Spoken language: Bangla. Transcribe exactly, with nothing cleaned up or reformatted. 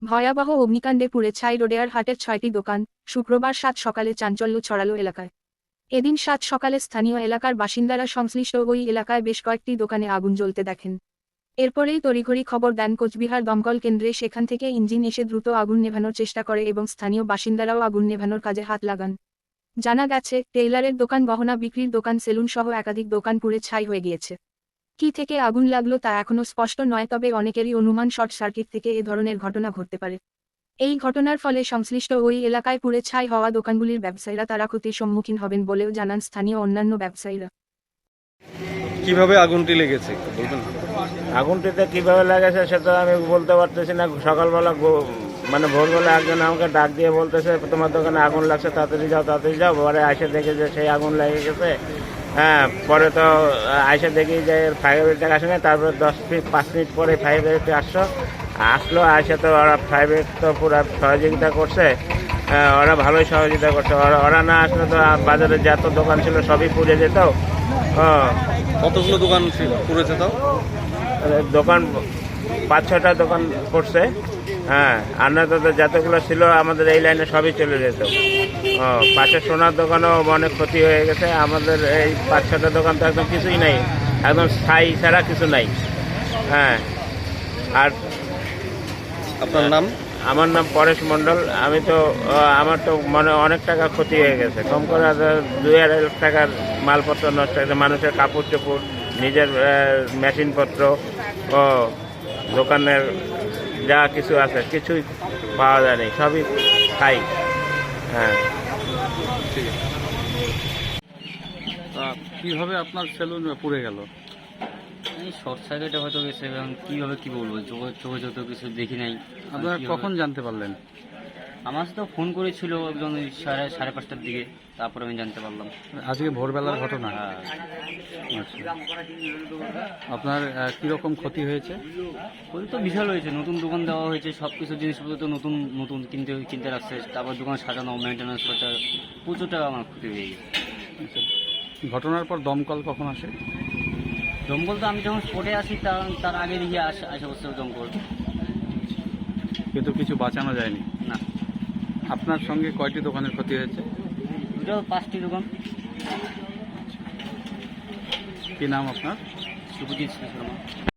ভয়াবহ অগ্নিকাণ্ডে পুড়ে ছাই রোডেয়ার হাটের ছয়টি দোকান। শুক্রবার সাত সকালে চাঞ্চল্য ছড়ালো এলাকায়। এদিন সাত সকালে স্থানীয় এলাকার বাসিন্দারা সংশ্লিষ্ট ওই এলাকায় বেশ কয়েকটি দোকানে আগুন জ্বলতে দেখেন। এরপরেই তড়িঘড়ি খবর দেন কোচবিহার দমকল কেন্দ্রে। সেখান থেকে ইঞ্জিন এসে দ্রুত আগুন নেভানোর চেষ্টা করে এবং স্থানীয় বাসিন্দারাও আগুন নেভানোর কাজে হাত লাগান। জানা গেছে, টেইলারের দোকান, গহনা বিক্রির দোকান, সেলুন সহ একাধিক দোকান পুড়ে ছাই হয়ে গিয়েছে। কি থেকে আগুন লাগলো তা এখনও স্পষ্ট নয়, তবে অনেকেরই অনুমান শর্ট সার্কিট থেকে এ ধরনের ঘটনা ঘটতে পারে। এই ঘটনার ফলে সংশ্লিষ্ট ওই এলাকায় পুড়ে ছাই হওয়া দোকানগুলির ব্যবসায়ীরা তারা ক্ষতির সম্মুখীন হবেন বলেও জানান স্থানীয় অন্যান্য ব্যবসায়ীরা। কিভাবে আগুনটি লেগেছে একটু বলবেন? আগুনটিতে কিভাবে লেগেছে সেটা আমি বলতে পারতেছি না। সকালবেলা গো- মানে ভোরবেলা একজন আমাকে ডাক দিয়ে বলতেছে তোমার দোকানে আগুন লাগছে, তাড়াতাড়ি যাও তাড়াতাড়ি যাও। পরে আইসে দেখে যে সেই আগুন লেগে গেছে। হ্যাঁ, পরে তো আইসে দেখি যে ফায়ার ব্রিগেড আসে না। তারপরে দশ মিনিট পাঁচ মিনিট পরে ফায়ার ব্রিগেড আসলো আসলো আসে তো ওরা ফায়ার ব্রিগেড তো পুরো সহযোগিতা করছে। হ্যাঁ, ওরা ভালোই সহযোগিতা করছে। ওরা ওরা না আসলে তো বাজারে যত দোকান ছিল সবই পুড়ে যেত। হ্যাঁ, কতগুলো দোকান ছিল পুড়েছে তাও? দোকান পাঁচ ছটা দোকান পড়ছে। হ্যাঁ, আর না তো যতগুলো ছিল আমাদের এই লাইনে সবই চলে যেত। ও, পাশে সোনার দোকানও অনেক ক্ষতি হয়ে গেছে। আমাদের এই পাঁচ ছটা দোকান তো একদম কিছুই নাই, একদম ছাই ছাড়া কিছু নাই। হ্যাঁ, আর আপনার নাম? আমার নাম পরেশ মণ্ডল। আমি তো আহ, আমার তো মানে অনেক টাকা ক্ষতি হয়ে গেছে। কম করে আধা- দুই আড়াই লাখ টাকার মালপত্র নষ্ট হয়েছে। মানুষের কাপড় চোপড়, নিজের মেশিনপত্র ও দোকানের যা কিছু আছে কিছুই পাওয়া যায়নি, সবই খাই। হ্যাঁ, ঠিক আছে। তা কিভাবে আপনার সেলুন পুড়ে গেল? এই শর্ট সার্কিটে হয়তো গেছে, এবং কীভাবে কী বলবো, চোখে চোখে যত কিছু দেখি নাই। আপনারা কিভাবে- কখন জানতে পারলেন? আমার সাথে ফোন করেছিল একজন ওই সাড়ে সাড়ে পাঁচটার দিকে, তারপরে আমি জানতে পারলাম। আজকে ভোরবেলার ঘটনা। হ্যাঁ, আচ্ছা, আপনার আহ, কিরকম ক্ষতি হয়েছে? ওই তো বিশাল হয়েছে। নতুন দোকান দেওয়া হয়েছে, সব কিছু জিনিসপত্র তো নতুন নতুন কিনতে কিনতে রাখছে। তারপর দোকান সাজানো, মেনটেন্যান্স করতে প্রচুর টাকা আমার ক্ষতি হয়ে গেছে। আচ্ছা, ঘটনার পর দমকল কখন আসে? দমকল তো আমি যখন স্পটে আসি তার তার আগে দেখি আসে আসে বসে দমকল। কিন্তু কিছু বাঁচানো যায়নি। না, আপনার সঙ্গে কয়টি দোকানের ক্ষতি হয়েছে? দুটো পাঁচটি দোকান। কি নাম আপনার? সুপুজিৎ শর্মা।